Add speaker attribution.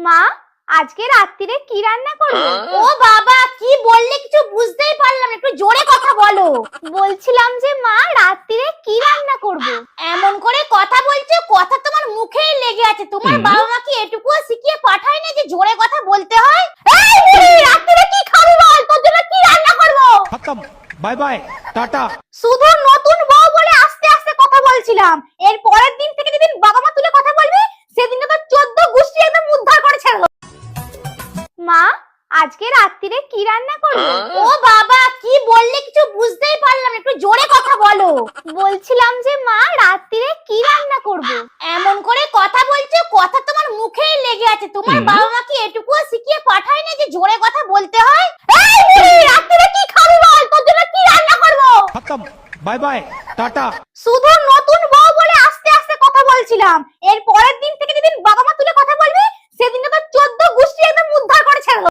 Speaker 1: মা, আজকে রাত্রিরে কি রান্না করবে? ও বাবা, কি বললে কিছু বুঝতেই পারলাম না, একটু জোরে কথা বলো। বলছিলাম যে মা, রাত্রিরে কি রান্না করবে? এমন করে কথা বলছো, কথা তোমার মুখেই লেগে আছে। তোমার বাবা মা কি এটুকুও শিখিয়ে পাঠায় না যে জোরে কথা বলতে হয়? এই রাত্রিরে কি খাবি বল, তোর জন্য কি রান্না করব?
Speaker 2: খতম, বাই বাই, টাটা।
Speaker 1: শুধু নতুন বউ বলে আস্তে আস্তে কথা বলছিলাম, এর পরের দিন থেকে যেদিন বাবা মা তুলে কথা বলবি সেদিন তো 14 গোষ্ঠী একদম উদ্ধার করে ছেড়ে দেবো। মা, আজকে রাত্রিরে কি রান্না করবে? ও বাবা, কি বললে কিছু বুঝতেই পারলাম না, একটু জোরে কথা বলো। বলছিলাম যে মা, রাত্রিরে কি রান্না করবে? এমন করে কথা বলছো, কথা তোমার মুখেই লেগে আছে। তোমার বাবা মা কি এটুকুও শিখিয়ে পাঠায় না যে জোরে কথা বলতে হয়? এই রাত্রিরে কি খাবি বল, তোর জন্য কি রান্না করব?
Speaker 2: খতম, বাই বাই, টাটা।
Speaker 1: শুধু নতুন বউ বলে আস্তে আস্তে কথা বলছিলাম, এর পরের দিন থেকে যেদিন বাবা মা